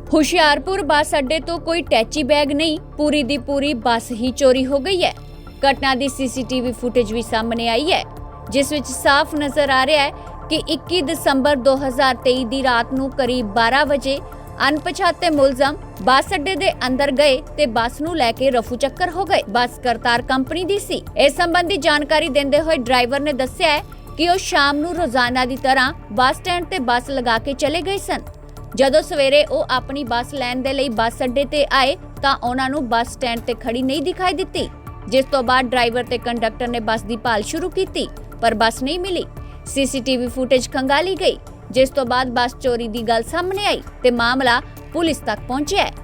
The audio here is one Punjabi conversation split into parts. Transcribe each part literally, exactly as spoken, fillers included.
ਹੁਸ਼ਿਆਰਪੁਰ ਬੱਸ ਅੱਡੇ ਤੋਂ ਕੋਈ ਟੈਚੀ बैग नहीं, पूरी दी पूरी बस ही चोरी हो गई है। घटना दी सीसीटीवी फुटेज भी सामने आई है, जिस विच साफ नजर आ रहा है कि इक्की दसंबर दो हज़ार तेई दी रात नूं करीब बारह बजे अनपछाते मुलजम ਬੱਸ ਅੱਡੇ ਦੇ ਅੰਦਰ ਗਏ ਤੇ ਬੱਸ ਨੂੰ ਲੈ ਕੇ ਰਫੂ ਚੱਕਰ ਹੋ ਗਏ। ਬੱਸ ਕਰਤਾਰ ਕੰਪਨੀ ਦੀ ਸੀ। ਇਸ ਸੰਬੰਧੀ ਜਾਣਕਾਰੀ ਦਿੰਦੇ ਹੋਏ ਡਰਾਈਵਰ ਨੇ ਦੱਸਿਆ ਹੈ ਕਿ ਉਹ ਸ਼ਾਮ ਨੂੰ ਰੋਜ਼ਾਨਾ ਦੀ ਤਰ੍ਹਾਂ ਬੱਸ ਸਟੈਂਡ ਤੇ ਬੱਸ ਲਗਾ ਕੇ ਚਲੇ ਗਏ ਸਨ। ਜਦੋਂ ਸਵੇਰੇ ਉਹ ਆਪਣੀ ਬੱਸ ਲੈਣ ਦੇ ਲਈ ਬੱਸ ਅੱਡੇ ਤੇ ਆਏ ਤਾਂ ਉਹਨਾਂ ਨੂੰ ਬੱਸ ਸਟੈਂਡ ਤੇ ਖੜੀ ਨਹੀਂ ਦਿਖਾਈ ਦਿੱਤੀ, ਜਿਸ ਤੋਂ ਬਾਅਦ ਡਰਾਈਵਰ ਤੇ ਕੰਡਕਟਰ ਨੇ ਬੱਸ ਦੀ ਭਾਲ ਸ਼ੁਰੂ ਕੀਤੀ, ਪਰ ਬੱਸ ਨਹੀਂ ਮਿਲੀ। ਸੀਸੀਟੀਵੀ ਫੁਟੇਜ ਖੰਗਾਲੀ ਗਈ, ਜਿਸ ਤੋਂ ਬਾਅਦ ਬੱਸ ਚੋਰੀ ਦੀ ਗੱਲ ਸਾਹਮਣੇ ਆਈ ਤੇ ਮਾਮਲਾ ਪੁਲਿਸ ਤੱਕ ਪਹੁੰਚਿਆ ਹੈ।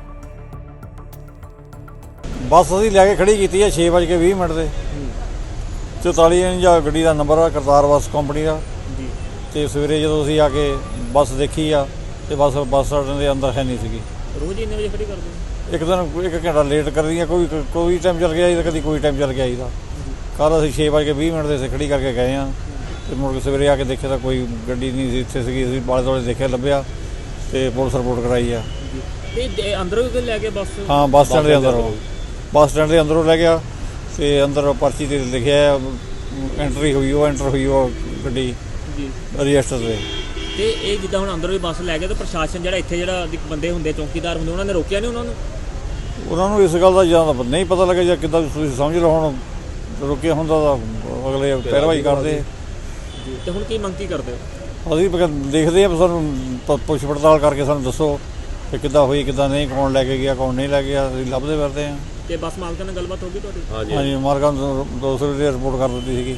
ਬੱਸ ਅਸੀਂ ਲੈ ਕੇ ਖੜੀ ਕੀਤੀ ਹੈ ਛੇ ਵੱਜ ਕੇ ਵੀਹ ਮਿੰਟ ਤੇ ਚੁਤਾਲੀ ਇੰਚ ਗੱਡੀ ਦਾ ਨੰਬਰ ਆ, ਕਰਤਾਰ ਬੱਸ ਕੰਪਨੀ ਦਾ ਜੀ। ਤੇ ਸਵੇਰੇ ਜਦੋਂ ਅਸੀਂ ਆ ਕੇ ਬੱਸ ਦੇਖੀ ਆ ਤੇ ਬੱਸ ਬੱਸ ਸਟੈਂਡ ਦੇ ਅੰਦਰ ਹੈ ਨਹੀਂ ਸੀਗੀ। ਰੋਜ਼ ਇੰਨੇ ਵਜੇ ਖੜੀ ਕਰਦੇ ਹੋ? ਇੱਕ ਦਿਨ ਇੱਕ ਘੰਟਾ ਲੇਟ ਕਰਦੀ ਆ, ਕੋਈ ਕੋਈ ਟਾਈਮ ਚੱਲ ਗਿਆ ਜੀ, ਕਦੀ ਕੋਈ ਟਾਈਮ ਚੱਲ ਗਿਆ ਜੀ ਦਾ। ਕੱਲ੍ਹ ਅਸੀਂ ਛੇ ਵੱਜ ਕੇ ਵੀਹ ਮਿੰਟ ਦੇ ਖੜੀ ਕਰਕੇ ਗਏ ਹਾਂ ਤੇ ਮੁੜ ਕੇ ਸਵੇਰੇ ਆ ਕੇ ਦੇਖਿਆ ਤਾਂ ਕੋਈ ਗੱਡੀ ਨਹੀਂ ਸੀ ਇੱਥੇ ਸੀਗੀ। ਅਸੀਂ ਬਾਲੇ ਦੁਆਲੇ ਦੇਖਿਆ, ਲੱਭਿਆ ਤੇ ਪੁਲਿਸ ਰਿਪੋਰਟ ਕਰਾਈ ਆ। ਤੇ ਅੰਦਰੋਂ ਵੀ ਲੈ ਕੇ ਬੱਸ? ਹਾਂ, ਬੱਸ ਸਟੈਂਡ ਦੇ ਅੰਦਰੋਂ ਬੱਸ ਸਟੈਂਡ ਦੇ ਅੰਦਰੋਂ ਲੈ ਗਿਆ ਤੇ ਅੰਦਰ ਪਰਚੀ ਤੇ ਲਿਖਿਆ ਐਂਟਰੀ ਹੋਈ ਉਹ ਐਂਟਰ ਹੋਈ ਉਹ ਗੱਡੀ ਜੀ ਰਜਿਸਟਰ ਤੇ। ਤੇ ਇਹ ਜਿੱਦਾਂ ਹੁਣ ਅੰਦਰੋਂ ਵੀ ਬੱਸ ਲੈ ਗਏ ਤਾਂ ਪ੍ਰਸ਼ਾਸਨ ਜਿਹੜਾ ਇੱਥੇ ਜਿਹੜਾ ਬੰਦੇ ਹੁੰਦੇ ਚੌਕੀਦਾਰ ਹੁੰਦੇ ਉਹਨਾਂ ਨੇ ਰੋਕਿਆ ਨਹੀਂ ਉਹਨਾਂ ਨੂੰ? ਉਹਨਾਂ ਨੂੰ ਇਸ ਗੱਲ ਦਾ ਜਾਂ ਤਾਂ ਨਹੀਂ ਪਤਾ ਲੱਗਿਆ ਜਾਂ ਕਿੱਦਾਂ ਤੁਸੀਂ ਸਮਝ ਲਓ। ਹੁਣ ਰੁਕਿਆ ਹੁੰਦਾ ਤਾਂ ਅਗਲੇ ਪੈਰਵਾਈ ਕਰਦੇ। ਤੇ ਹੁਣ ਕੀ ਮੰਗ ਕੀ ਕਰਦੇ ਹੋ? ਅਸੀਂ ਦੇਖਦੇ ਹਾਂ, ਸਾਨੂੰ ਪੁੱਛ ਪੜਤਾਲ ਕਰਕੇ ਸਾਨੂੰ ਦੱਸੋ ਕਿ ਕਿੱਦਾਂ ਹੋਈ ਕਿੱਦਾਂ ਨਹੀਂ, ਕੌਣ ਲੈ ਕੇ ਗਿਆ ਕੌਣ ਨਹੀਂ ਲੈ ਗਿਆ, ਅਸੀਂ ਲੱਭਦੇ ਫਿਰਦੇ ਹਾਂ। ਤੇ ਬੱਸ ਮਾਲਕਾਂ ਨਾਲ ਗੱਲਬਾਤ ਹੋ ਗਈ ਤੁਹਾਡੀ? ਹਾਂਜੀ ਹਾਂਜੀ, ਮਾਲਕਾਂ ਨੂੰ ਦੋ ਸੌ ਰੁਪਏ ਰਿਪੋਰਟ ਕਰ ਦਿੱਤੀ ਸੀਗੀ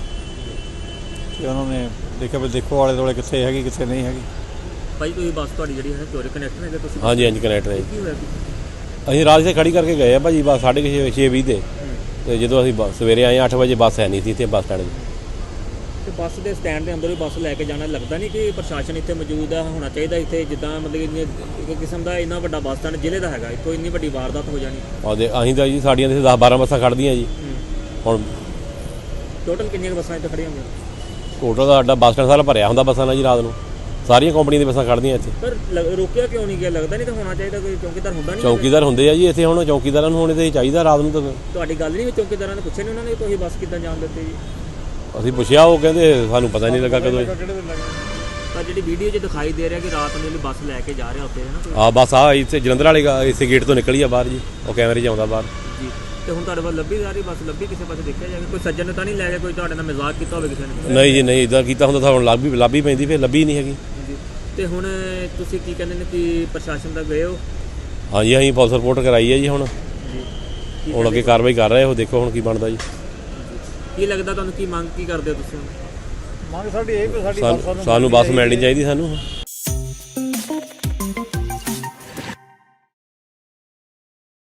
ਤੇ ਉਹਨਾਂ ਨੇ ਦੇਖਿਆ ਵੀ ਦੇਖੋ ਆਲੇ ਦੁਆਲੇ ਕਿੱਥੇ ਹੈਗੀ ਕਿੱਥੇ ਨਹੀਂ ਹੈਗੀ। ਭਾਈ ਤੁਸੀਂ ਬੱਸ ਤੁਹਾਡੀ ਜਿਹੜੀ ਹੈ ਚੋਰੀ ਕਨੈਕਟਰ ਹੈਗੇ ਤੁਸੀਂ? ਹਾਂਜੀ ਹਾਂਜੀ ਕਨੈਕਟਰ ਹੈ। ਕੀ ਹੋਇਆ? ਅਸੀਂ ਰਾਤ ਤੇ ਖੜੀ ਕਰਕੇ ਗਏ ਆ ਭਾਜੀ ਬੱਸ ਸਾਢੇ ਛੇ ਛੇ ਵੀਹ ਦੇ, ਤੇ ਜਦੋਂ ਅਸੀਂ ਸਵੇਰੇ ਆਏ ਅੱਠ ਵਜੇ ਬੱਸ ਹੈ ਨਹੀਂ ਸੀ ਇੱਥੇ ਬੱਸ ਸਟੈਂਡ 'ਚ। ਤੇ ਬੱਸ ਦੇ ਸਟੈਂਡ ਦੇ ਅੰਦਰ ਵੀ ਬੱਸ ਲੈ ਕੇ ਜਾਣਾ ਲੱਗਦਾ ਨਹੀਂ ਕਿ ਪ੍ਰਸ਼ਾਸਨ ਇੱਥੇ ਮੌਜੂਦ ਆ ਹੋਣਾ ਚਾਹੀਦਾ ਇੱਥੇ, ਜਿੱਦਾਂ ਮਤਲਬ ਕਿ ਇੱਕ ਕਿਸਮ ਦਾ ਇੰਨਾ ਵੱਡਾ ਬੱਸ ਸਟੈਂਡ ਜ਼ਿਲ੍ਹੇ ਦਾ ਹੈਗਾ, ਇੱਥੋਂ ਇੰਨੀ ਵੱਡੀ ਵਾਰਦਾਤ ਹੋ ਜਾਣੀ। ਉਹਦੇ ਅਸੀਂ ਤਾਂ ਜੀ ਸਾਡੀਆਂ ਤੇ ਦਸ ਬਾਰਾਂ ਬੱਸਾਂ ਖੜ੍ਹਦੀਆਂ ਜੀ। ਹੁਣ ਟੋਟਲ ਕਿੰਨੀਆਂ ਬੱਸਾਂ ਇੱਥੇ ਖੜੀਆਂ ਹੁੰਦੀਆਂ? ਟੋਟਲ ਦਾ ਸਾਡਾ ਬੱਸ ਸਟੈਂਡ ਸਾਰਾ ਭਰਿਆ ਹੁੰਦਾ ਬੱਸਾਂ ਨਾਲ ਜੀ। ਰਾਤ ਨੂੰ ਸਾਰੀਆਂ ਕੰਪਨੀਆਂ ਦੀਆਂ ਬੱਸਾਂ ਖੜ੍ਹਦੀਆਂ ਇੱਥੇ। ਪਰ ਰੋਕਿਆ ਕਿਉਂ ਨਹੀਂ ਗਿਆ? ਲੱਗਦਾ ਨਹੀਂ ਤਾਂ ਹੋਣਾ ਚਾਹੀਦਾ ਕੋਈ ਚੌਕੀਦਾਰ ਹੁੰਦਾ ਨਹੀਂ? ਚੌਕੀਦਾਰ ਹੁੰਦੇ ਆ ਜੀ ਇੱਥੇ, ਹੁਣ ਚੌਕੀਦਾਰਾਂ ਨੂੰ ਹੋਣੇ ਤੇ ਚਾਹੀਦਾ ਰਾਤ ਨੂੰ। ਤਾਂ ਤੁਹਾਡੀ ਗੱਲ ਨਹੀਂ ਚੌਕੀਦਾਰਾਂ ਨੇ ਪੁੱਛਿਆ ਨਹੀਂ ਉਹਨਾਂ ਨੇ ਤੁਸੀਂ ਬੱਸ ਕਿੱਦਾਂ ਜਾਣ ਦਿੱਤੀ ਜੀ? ਅਸੀਂ ਪੁੱਛਿਆ, ਉਹ ਕਹਿੰਦੇ ਸਾਨੂੰ ਪਤਾ ਨਹੀਂ ਲੱਗਾ ਕਦੋਂ। ਤਾਂ ਜਿਹੜੀ ਵੀਡੀਓ 'ਚ ਦਿਖਾਈ ਦੇ ਰਿਹਾ ਕਿ ਰਾਤ ਨੂੰ ਬੱਸ ਲੈ ਕੇ ਜਾ ਰਿਹਾ ਉੱਥੇ ਹੈ ਨਾ? ਹਾਂ ਬੱਸ ਆ ਇੱਥੇ ਜਲੰਧਰ ਵਾਲੇ ਇਸੇ ਗੇਟ ਤੋਂ ਨਿਕਲੀ ਆ ਬਾਹਰ ਜੀ, ਉਹ ਕੈਮਰੇ 'ਚ ਆਉਂਦਾ ਬਾਹਰ ਜੀ। ਤੇ ਹੁਣ ਤੁਹਾਡੇ ਵੱਲ ਲੱਭੀ ਜਾ ਰਹੀ ਬੱਸ? ਲੱਭੀ ਕਿਸੇ ਪਾਸੇ ਦੇਖਿਆ ਜਾਵੇ? ਕੋਈ ਸੱਜਣ ਨੇ ਤਾਂ ਨਹੀਂ ਲੈ ਕੇ ਕੋਈ ਤੁਹਾਡੇ ਨਾਲ ਮਜ਼ਾਕ ਕੀਤਾ ਹੋਵੇ ਕਿਸੇ ਨੇ? ਨਹੀਂ ਜੀ ਨਹੀਂ, ਇੱਦਾਂ ਕੀਤਾ ਹੁੰਦਾ ਤਾਂ ਹੁਣ ਲੱਭ ਵੀ ਲੱਭ ਹੀ ਪੈਂਦੀ, ਫਿਰ ਲੱਭੀ ਨਹੀਂ ਹੈਗੀ ਜੀ। ਤੇ ਹੁਣ ਤੁਸੀਂ ਕੀ ਕਹਿੰਦੇ ਨੇ ਕਿ ਪ੍ਰਸ਼ਾਸਨ ਦਾ ਗਏ ਹੋ? ਹਾਂਜੀ ਅਸੀਂ ਪੁਲਿਸ ਰਿਪੋਰਟ ਕਰਾਈ ਹੈ ਜੀ। ਹੁਣ ਹੁਣ ਅੱਗੇ ਕਾਰਵਾਈ ਕਰ ਰਹੇ ਹੋ, ਦੇਖੋ ਹੁਣ ਕੀ ਬਣਦਾ ਜੀ। ਕੀ ਲੱਗਦਾ ਤੁਹਾਨੂੰ? ਕੀ ਮੰਗ ਕੀ ਕਰਦੇ ਹੋ ਤੁਸੀਂ? ਮੰਗ ਸਾਡੀ ਇਹ ਵੀ ਸਾਡੀ ਸਾਨੂੰ ਬੱਸ ਮਿਲਣੀ ਚਾਹੀਦੀ ਸਾਨੂੰ।